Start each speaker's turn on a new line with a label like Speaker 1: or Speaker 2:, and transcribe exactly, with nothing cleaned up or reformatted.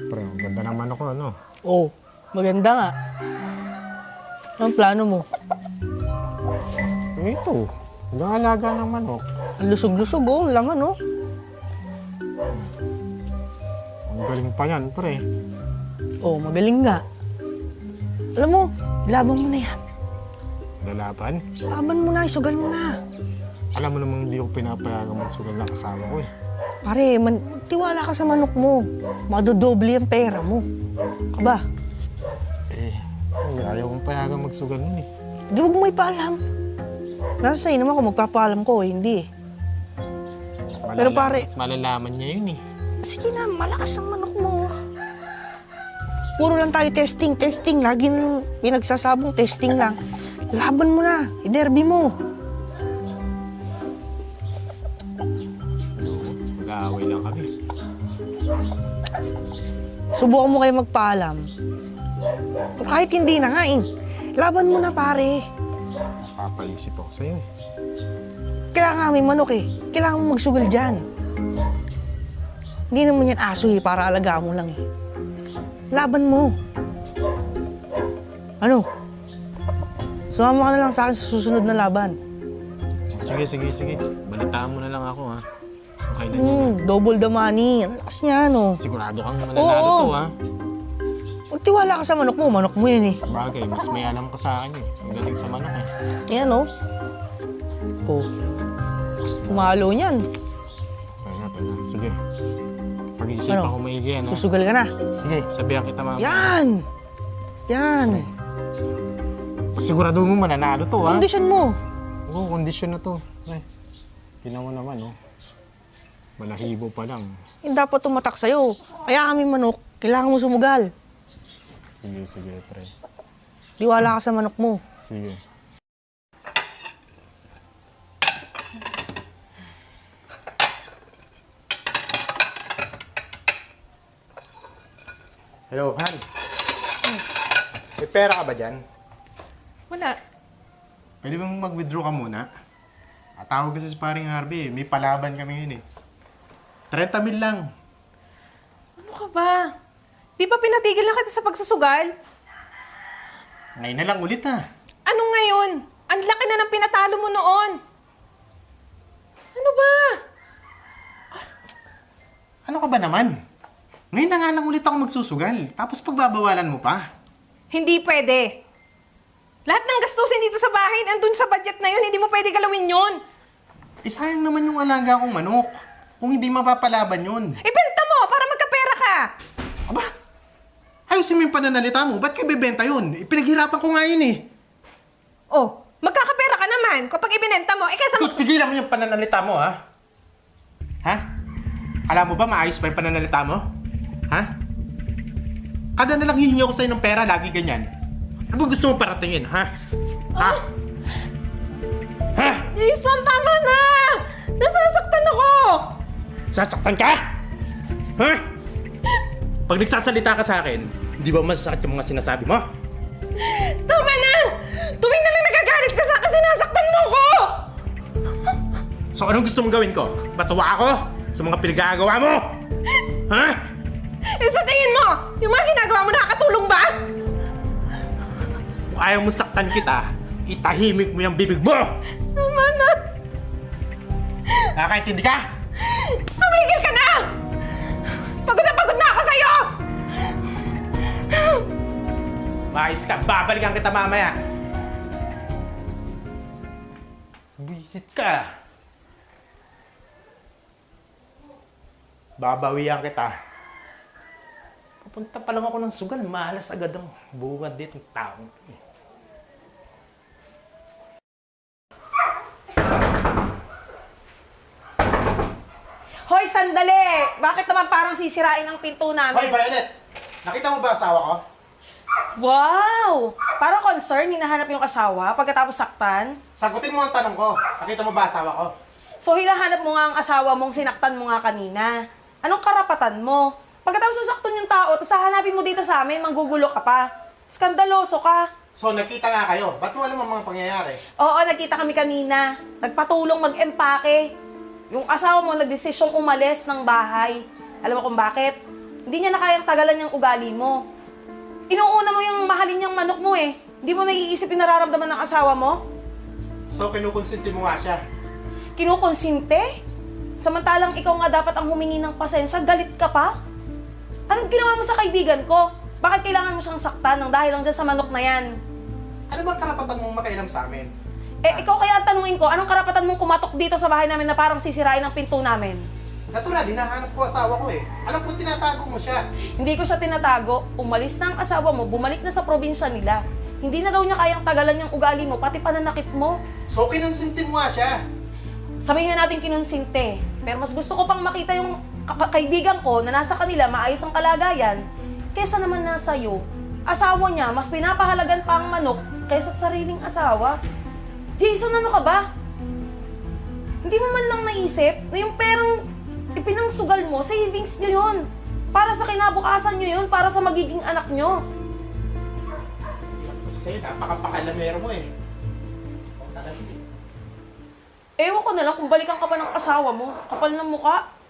Speaker 1: Pre, ang ganda ng manok ko, ano?
Speaker 2: Oo, maganda nga. Anong plano mo?
Speaker 1: Eh, ito. Hanggang alaga ng manok.
Speaker 2: Ang lusog-lusog, oh. Ang laman, oh.
Speaker 1: Ang galing pa yan, pre.
Speaker 2: Oo, magaling nga. Alam mo, laban mo na yan.
Speaker 1: Lalaban?
Speaker 2: Laban mo na, isugal mo na.
Speaker 1: Alam mo namang hindi ko pinapayagang magsugal ng kasama ko eh.
Speaker 2: Pare, man, tiwala ka sa manok mo. Madodoble ang pera mo. Aba,
Speaker 1: Eh, ay, ayaw kong payagang magsugal nun eh.
Speaker 2: di wag mo ipaalam. Nasa sa'yo naman kung magpapaalam ko, eh, hindi eh. Pero pare-
Speaker 1: Malalaman niya yun eh.
Speaker 2: Sige na, malakas ang manok mo. Puro lang tayo testing, testing. Lagi nang pinagsasabong testing lang. Laban mo na, i-derby mo.
Speaker 1: Mag-aaway lang kami.
Speaker 2: Subukan mo kayo magpaalam. Kung kahit hindi na nga eh. Laban mo na pare.
Speaker 1: Papaisip ako sa'yo eh.
Speaker 2: Kailangan kami manok eh. Kailangan mo magsugal dyan. Hindi naman yan aso eh, para alagaan mo lang eh. Laban mo. Ano? Sumama ka na lang sa akin sa susunod na laban.
Speaker 1: Sige, sige, sige. Balitaan mo na lang ako ha. Okay na yun.
Speaker 2: Hmm, double the money. Ang lakas niya, no?
Speaker 1: Sigurado kang mananalo
Speaker 2: Oo.
Speaker 1: to ha.
Speaker 2: Magtiwala ka sa manok mo. Manok mo yan eh.
Speaker 1: Bagay, mas may alam ka sa akin eh. Ang galing sa manok eh.
Speaker 2: Yan, no? Oh. Mas pumalo niyan.
Speaker 1: Kaya nga, teka. Sige. Pag-iisipan
Speaker 2: Ano?
Speaker 1: ko maigi yan ha.
Speaker 2: Susugal ka na.
Speaker 1: Sige, sabihan kita mama.
Speaker 2: Yan! Yan!
Speaker 1: Sigurado mo mananalo to ha.
Speaker 2: Kondisyon mo.
Speaker 1: Oo, kondisyon na to. Ay, tingnan mo naman oh. Malahibo pa lang.
Speaker 2: Hindi dapat tumatak sa'yo. Kaya kami manok, kailangan mo sumugal.
Speaker 1: Sige, sige, pre.
Speaker 2: Tiwala ka sa manok mo.
Speaker 1: Sige. Hello, Han. May pera ka ba dyan?
Speaker 3: Wala.
Speaker 1: Pwede bang mag-withdraw ka muna? At tawag kasi si paring Harvey, may palaban kami yun eh. thirty mil lang.
Speaker 3: Ano ka ba? Di ba pinatigil na kita sa pagsusugal?
Speaker 1: Ngayon na lang ulit ha.
Speaker 3: Ano ngayon? Ang laki na ng pinatalo mo noon. Ano ba?
Speaker 1: Ano ka ba naman? Ngayon na nga lang ulit ako magsusugal. Tapos pagbabawalan mo pa.
Speaker 3: Hindi pwede. Lahat ng gastusin dito sa bahay, andun sa budget na yun, hindi mo pwede galawin yun.
Speaker 1: Eh sayang naman yung alaga kong manok. Kung hindi mapapalaban yun.
Speaker 3: Ibenta mo para magkapera ka.
Speaker 1: Aba, ayusin mo yung pananalita mo. Ba't ko ibibenta yun? Ipinaghirapan ko nga yun eh.
Speaker 3: Oh, magkakapera ka naman kapag ibinenta mo. Eh kaysa mag...
Speaker 1: Tigilan mo yung pananalita mo, ha? Ha? Alam mo ba maayos pa yung pananalita mo? Ha? Kada na lang hihingi ako sa'yo ng pera, lagi ganyan. Ano ba gusto mo paratingin, ha? Ha? Ha?
Speaker 3: Jason, tama na! Nasasaktan ako!
Speaker 1: Sasaktan ka? Ha? Pag nagsasalita ka sa akin, hindi ba masasakit yung mga sinasabi mo?
Speaker 3: Tama na! Tuwing na lang nagagalit ka sa akin, sinasaktan mo ko!
Speaker 1: So anong gusto mong gawin ko? Batuwa ako sa mga pinagagawa mo? Ha?
Speaker 3: Eh sa tingin mo, yung mga ginagawa mo nakakatulong ba?
Speaker 1: Kung ayaw mo saktan kita, itahimik mo yung bibig mo!
Speaker 3: Tama na!
Speaker 1: Nakakaintindi ka?
Speaker 3: Tumigil ka na! Pagod na pagod na ako sa'yo!
Speaker 1: Maayos ka, babalikan kita mamaya. Buisit ka. Babawian kita. Papunta pa lang ako ng sugal, malas agad ang buwad dito ng tao.
Speaker 3: Hoy, sandali! Bakit naman parang sisirain ang pinto
Speaker 1: Hoy,
Speaker 3: namin?
Speaker 1: Violet! Nakita mo ba asawa ko?
Speaker 3: Wow! Parang concern, hinahanap yung asawa pagkatapos saktan.
Speaker 1: Sagutin mo ang tanong ko. Nakita mo ba asawa ko?
Speaker 3: So, hinahanap mo nga ang asawa mong sinaktan mo nga kanina. Anong karapatan mo? Pagkatapos mo saktan yung tao, tapos hahanapin mo dito sa amin, manggugulo ka pa. Skandaloso ka.
Speaker 1: So, nakita nga kayo. Ba't mo alam ang mga pangyayari?
Speaker 3: Oo, nagkita kami kanina. Nagpatulong mag-empake. Yung asawa mo nagdesisyong umalis ng bahay. Alam mo kung bakit? Hindi niya na kayang tagalan yung ugali mo. Inuuna mo yung mahalin niyang manok mo eh. Hindi mo naiisip yung nararamdaman ng asawa mo?
Speaker 1: So, kinukonsinti mo nga siya.
Speaker 3: Kinukonsinte? Samantalang ikaw nga dapat ang humingi ng pasensya, galit ka pa? Anong ginawa mo sa kaibigan ko? Bakit kailangan mo siyang saktan ng dahil lang dyan sa manok na yan?
Speaker 1: Ano bang karapatan mong makailam sa amin?
Speaker 3: Eh, ikaw kaya ang tanungin ko, anong karapatan mong kumatok dito sa bahay namin na parang sisirain ang pinto namin?
Speaker 1: Natural, hinahanap ko asawa ko eh. Alam ko tinatago mo siya.
Speaker 3: Hindi ko siya tinatago. Umalis na ang asawa mo, bumalik na sa probinsya nila. Hindi na daw niya kayang tagalan yung ugali mo, pati pananakit mo.
Speaker 1: So, kinonsinti mo nga siya.
Speaker 3: Sabihin na natin kinunsinte. Pero mas gusto ko pang makita yung ka- kaibigan ko na nasa kanila maayos ang kalagayan, kesa naman nasa iyo. Asawa niya, mas pinapahalagan pa ang manok kaysa sa sariling asawa. Jason, ano ka ba? Hindi mo man lang naisip na yung perang ipinangsugal mo, savings nyo yun. Para sa kinabukasan nyo yun, para sa magiging anak nyo.
Speaker 1: Kasi napakapakalamero mo eh.
Speaker 3: Ewan ko na lang kung balikan ka pa ng asawa mo. Kapal ng muka.